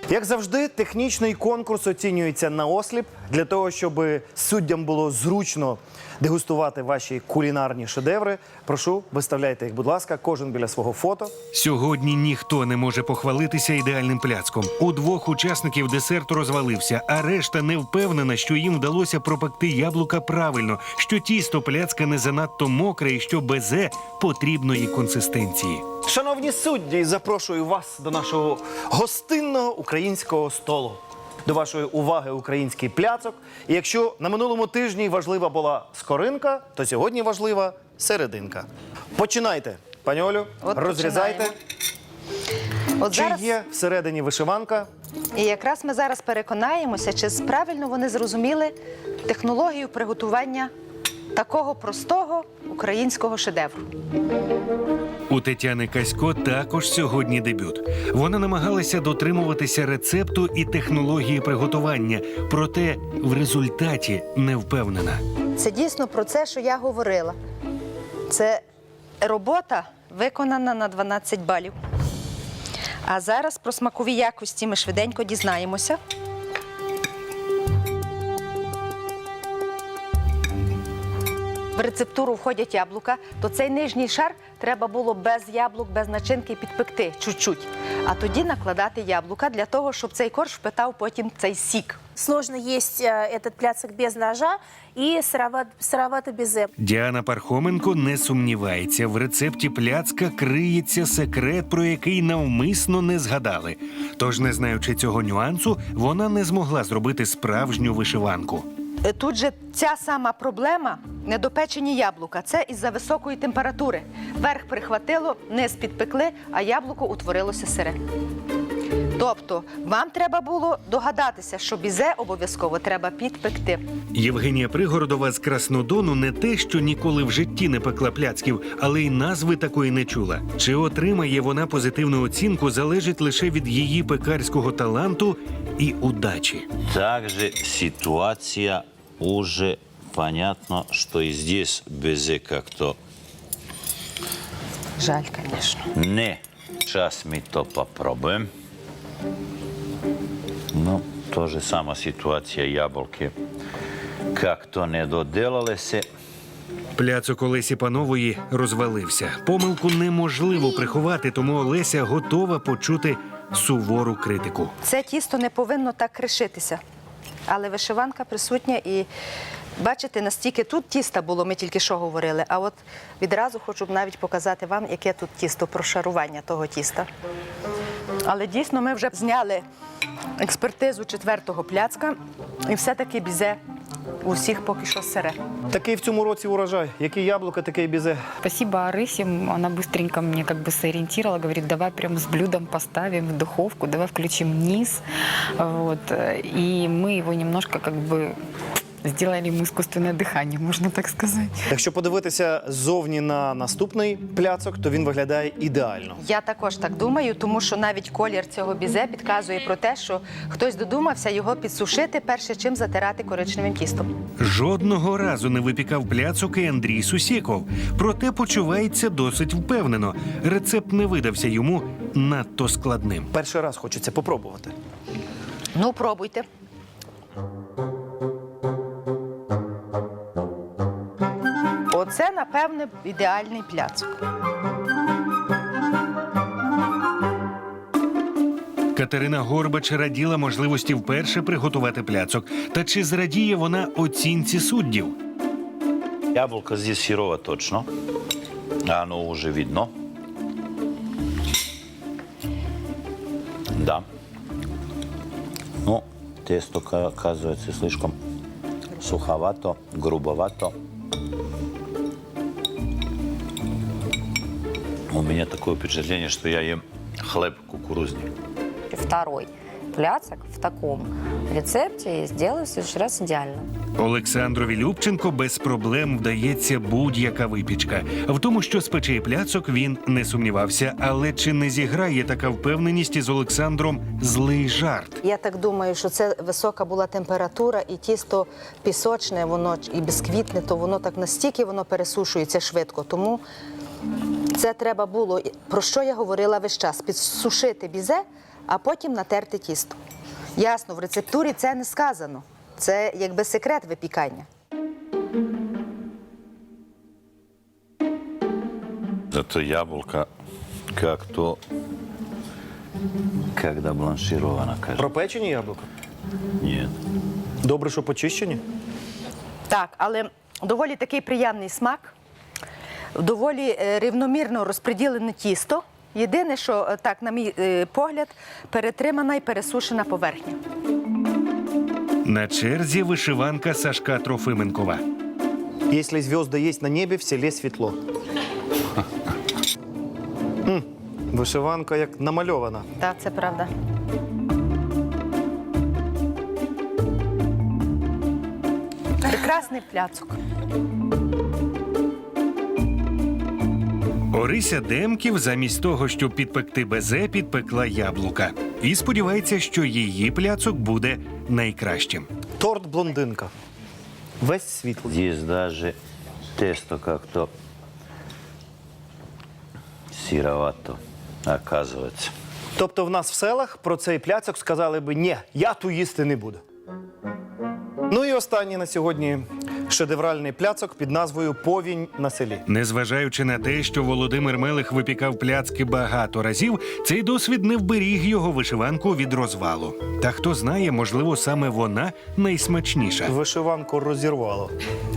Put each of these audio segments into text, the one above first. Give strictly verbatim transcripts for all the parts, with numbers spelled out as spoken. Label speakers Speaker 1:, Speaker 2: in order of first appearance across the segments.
Speaker 1: Як завжди, технічний конкурс оцінюється наосліп, для того, щоб суддям було зручно дегустувати ваші кулінарні шедеври. Прошу, виставляйте їх, будь ласка, кожен біля свого фото.
Speaker 2: Сьогодні ніхто не може похвалитися ідеальним пляцком. У двох учасників десерт розвалився, а решта не впевнена, що їм вдалося пропекти яблука правильно, що тісто пляцка не занадто мокре і що безе потрібної консистенції.
Speaker 1: Шановні судді, запрошую вас до нашого гостинного українського столу. До вашої уваги український пляцок. І якщо на минулому тижні важлива була скоринка, то сьогодні важлива серединка. Починайте, пані Олю,
Speaker 3: От
Speaker 1: розрізайте.
Speaker 3: От
Speaker 1: Чи
Speaker 3: зараз,
Speaker 1: є всередині вишиванка?
Speaker 3: і якраз ми зараз переконаємося, чи правильно вони зрозуміли технологію приготування такого простого українського шедевру.
Speaker 2: У Тетяни Касько також сьогодні дебют. Вона намагалася дотримуватися рецепту і технології приготування, проте в результаті не впевнена.
Speaker 3: Це дійсно про це, що я говорила. Це робота виконана на дванадцять балів. А зараз про смакові якості ми швиденько дізнаємося. В рецептуру входять яблука, то цей нижній шар треба було без яблук, без начинки підпекти чуть-чуть. А тоді накладати яблука для того, щоб цей корж впитав потім цей сік.
Speaker 4: Сложно есть э, этот пляцок без ножа и сыроват, сыровато безе.
Speaker 2: Діана Пархоменко не сумнівається. В рецепті пляцка криється секрет, про який навмисно не згадали. Тож, не знаючи цього нюансу, вона не змогла зробити справжню вишиванку.
Speaker 3: Тут же ця сама проблема – недопечені яблука. Це із-за високої температури. Верх прихватило, низ підпекли, а яблуко утворилося сире. Тобто вам треба було догадатися, що бізе обов'язково треба підпекти.
Speaker 2: Євгенія Пригородова з Краснодону не те, що ніколи в житті не пекла пляцків, але й назви такої не чула. Чи отримає вона позитивну оцінку, залежить лише від її пекарського таланту і удачі.
Speaker 5: Также ситуация уже понятно, что и здесь безе как-то
Speaker 3: Жаль, звісно.
Speaker 5: не. Сейчас мы то попробуем. Ну, то же сама ситуация яблоки. Как-то не доделалися.
Speaker 2: Пляцок Олесі Панової розвалився. Помилку неможливо приховати, тому Олеся готова почути сувору критику.
Speaker 3: Це тісто не повинно так кришитися. Але вишиванка присутня і бачите, настільки тут тіста було, ми тільки що говорили, а от відразу хочу навіть показати вам, яке тут тісто, прошарування того тіста. Але дійсно ми вже зняли експертизу четвертого пляцка і все-таки бізе у всіх поки що сире.
Speaker 1: Такий в цьому році урожай. Які яблука, таке і бізе.
Speaker 6: Спасибо Арысе, она быстренько мне как бы сориентировала, говорит, давай прям с блюдом поставим в духовку, давай включим низ, вот, и мы его немножко как бы сделали ему искусственное дыхание, можно так сказать.
Speaker 1: Якщо подивитися ззовні на наступний пляцок, то він виглядає ідеально.
Speaker 3: Я також так думаю, тому що навіть колір цього бізе підказує про те, що хтось додумався його підсушити, перше чим затирати коричневим тістом.
Speaker 2: Жодного разу не випікав пляцок і Андрій Сусєков. Проте почувається досить впевнено. Рецепт не видався йому надто складним.
Speaker 1: Перший раз хочеться попробувати.
Speaker 3: Ну, пробуйте. Оце, напевне, ідеальний пляцок.
Speaker 2: Катерина Горбач раділа можливості вперше приготувати пляцок. Та чи зрадіє вона оцінці суддів?
Speaker 5: Яблоко здесь сырого точно. Оно уже видно. Да. Ну, тесто оказывается слишком суховато, грубовато. У меня такое впечатление, что я ем хлеб кукурузник.
Speaker 7: Второй пляцок в таком рецепте сделаю в следующий раз идеально.
Speaker 2: Олександрові Любченко без проблем вдається будь-яка випічка. В тому, що спече пляцок, він не сумнівався. Але чи не зіграє така впевненість із Олександром злий жарт?
Speaker 3: Я так думаю, що це висока була температура, і тісто пісочне, воно і бісквітне, то воно так настільки воно пересушується швидко. Тому це треба було, про що я говорила весь час, підсушити бізе, а потім натерти тісто. Ясно, в рецептурі це не сказано. Це якби секрет випікання.
Speaker 5: Зато яблоко как-то, когда бланшировано, кажется.
Speaker 1: Пропечені яблука?
Speaker 5: Нет.
Speaker 1: Добре, що почищені?
Speaker 3: Так, але доволі такий приємний смак, доволі е, рівномірно розподілене тісто. Єдине, що, е, так, на мій е, погляд, перетримана і пересушена поверхня.
Speaker 2: На черзі вишиванка Сашка Трофименкова.
Speaker 1: Якщо зв'язки є на небі, в селі світло. М, Вишиванка як намальована.
Speaker 3: Так, це правда. Прекрасний пляцок.
Speaker 2: Орися Демків замість того, щоб підпекти безе, підпекла яблука. І сподівається, що її пляцок буде найкращим.
Speaker 1: Торт блондинка. Весь світлий.
Speaker 5: Здесь даже тесто как-то сыровато, оказывается.
Speaker 1: Тобто в нас в селах про цей пляцок сказали би «Ні, я ту їсти не буду». Ну і останній на сьогодні шедевральний пляцок під назвою «Повінь на селі».
Speaker 2: Незважаючи на те, що Володимир Мелих випікав пляцки багато разів, цей досвід не вберіг його вишиванку від розвалу. Та хто знає, можливо, саме вона найсмачніша.
Speaker 1: Вишиванку розірвало.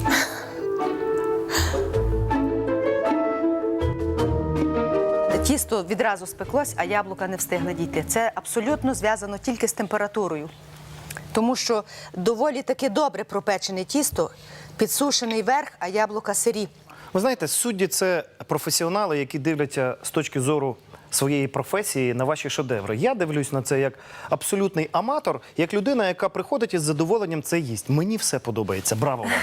Speaker 3: Тісто відразу спеклось, а яблука не встигли дійти. Це абсолютно зв'язано тільки з температурою. Тому що доволі таки добре пропечене тісто, підсушений верх, а яблука сирі.
Speaker 1: Ви знаєте, судді – це професіонали, які дивляться з точки зору своєї професії на ваші шедеври. Я дивлюсь на це як абсолютний аматор, як людина, яка приходить із задоволенням це їсть. Мені все подобається. Браво вам!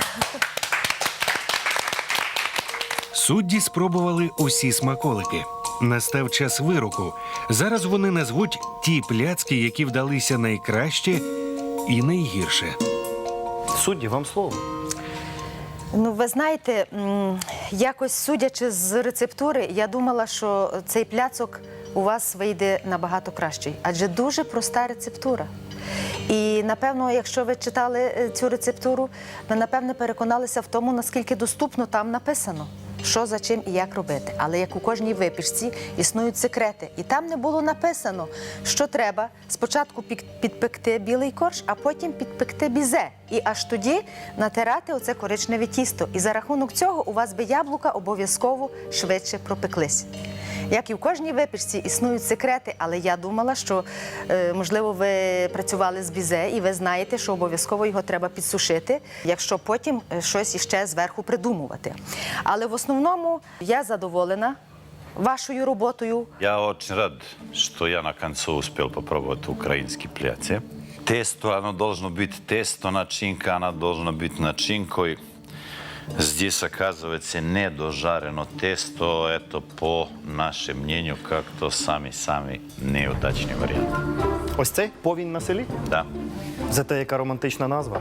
Speaker 2: Судді спробували усі смаколики. Настав час вироку. Зараз вони назвуть ті пляцки, які вдалися найкраще і найгірше.
Speaker 1: Судді, вам слово.
Speaker 3: Ну, ви знаєте, м, якось судячи з рецептури, я думала, що цей пляцок у вас вийде набагато кращий. Адже дуже проста рецептура. І, напевно, якщо ви читали е, цю рецептуру, ви, напевне, переконалися в тому, наскільки доступно там написано, що, за чим і як робити. Але як у кожній випічці існують секрети. І там не було написано, що треба спочатку пік- підпекти білий корж, а потім підпекти бізе. І аж тоді натирати оце коричневе тісто. І за рахунок цього у вас би яблука обов'язково швидше пропеклись. Як і в кожній випічці існують секрети, але я думала, що, е, можливо, ви працювали з бізе і ви знаєте, що обов'язково його треба підсушити, якщо потім е, щось іще зверху придумувати. Але в основному я задоволена вашою роботою.
Speaker 5: Я очень рад, что я на концу успел попробовать украинский пляци. Тесто, оно должно быть тесто, начинка, она должна быть начинкой. Здесь, оказывается, недожарено тесто. Это, по нашему мнению, как-то самый-самый неудачный вариант.
Speaker 1: Ось цей «Повінь на селі».
Speaker 5: Да.
Speaker 1: Зате яка романтична назва.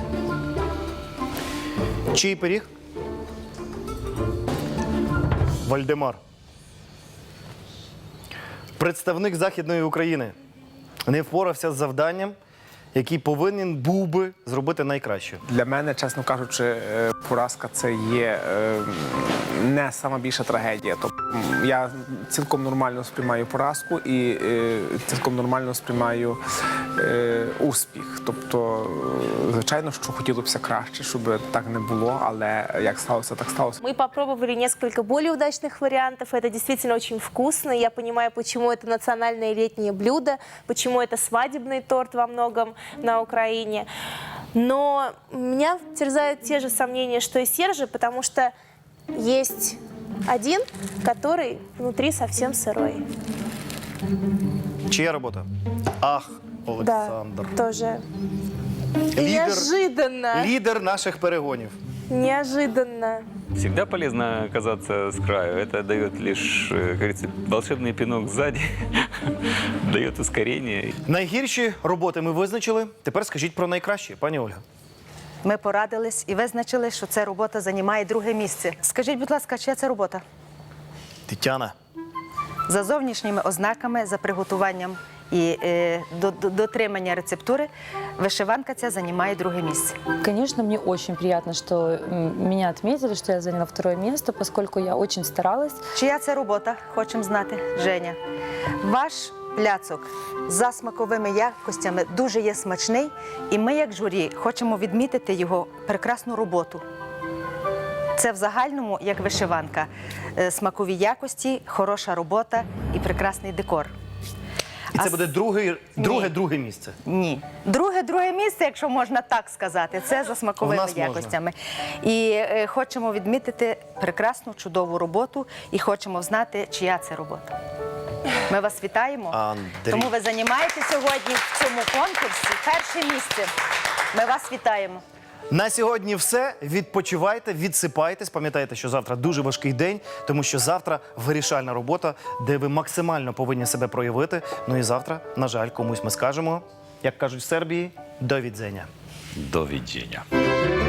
Speaker 1: Чий пиріг? Вальдемар. Представник Західної України не впорався з завданням, який повинен був би зробити найкраще.
Speaker 8: Для мене, чесно кажучи, е, поразка це є е, не сама більша трагедія. Тобто м, я цілком нормально сприймаю поразку і е, цілком нормально сприймаю е, успіх. Тобто, е, звичайно, що хотілося б краще, щоб так не було, але як сталося, так сталося.
Speaker 4: Мы попробовали несколько более удачных вариантов. Это действительно очень вкусно. Я понимаю, почему это национальное летнее блюдо, почему это свадебный торт во многом на Украине. Но меня терзают те же сомнения, что и Сержа, потому что есть один, который внутри совсем сырой.
Speaker 1: Чия робота? Ах, Олександр.
Speaker 4: Да, тоже.
Speaker 1: Лідер,
Speaker 4: Неожиданно.
Speaker 1: лідер наших перегонів.
Speaker 4: Неожиданно.
Speaker 9: Всегда полезно оказаться с краю. Это дает лишь, э, как говорится, волшебный пинок сзади, дает ускорение.
Speaker 1: Найгірші роботи ми визначили. Тепер скажіть про найкращі, пані Ольга.
Speaker 3: Ми порадились і визначили, що ця робота займає друге місце. Скажіть, будь ласка, чия це робота?
Speaker 1: Тетяна.
Speaker 3: За зовнішніми ознаками, за приготуванням і е, до, до, дотримання рецептури, вишиванка ця займає друге місце.
Speaker 10: Конечно, мне очень приятно, что м, меня отметили, что я заняла второе место, поскольку я очень старалась.
Speaker 3: Чия це робота, хочемо знати, Женя. Ваш пляцок за смаковими якостями дуже є смачний, і ми, як журі, хочемо відмітити його прекрасну роботу. Це в загальному, як вишиванка, е, смакові якості, хороша робота і прекрасний декор.
Speaker 1: І це
Speaker 3: А
Speaker 1: буде друге, друге, друге місце.
Speaker 3: Ні. Друге, друге місце, якщо можна так сказати, це за
Speaker 1: У
Speaker 3: смаковими
Speaker 1: нас можна.
Speaker 3: якостями. І е, хочемо відмітити прекрасну, чудову роботу і хочемо знати, чия це робота. Ми вас вітаємо.
Speaker 1: Андрій.
Speaker 3: Тому ви займаєте сьогодні в цьому конкурсі перше місце. Ми вас вітаємо.
Speaker 1: На сьогодні все. Відпочивайте, відсипайтесь. Пам'ятайте, що завтра дуже важкий день, тому що завтра вирішальна робота, де ви максимально повинні себе проявити. Ну і завтра, на жаль, комусь ми скажемо, як кажуть в Сербії, до відзення.
Speaker 5: Doviđenja.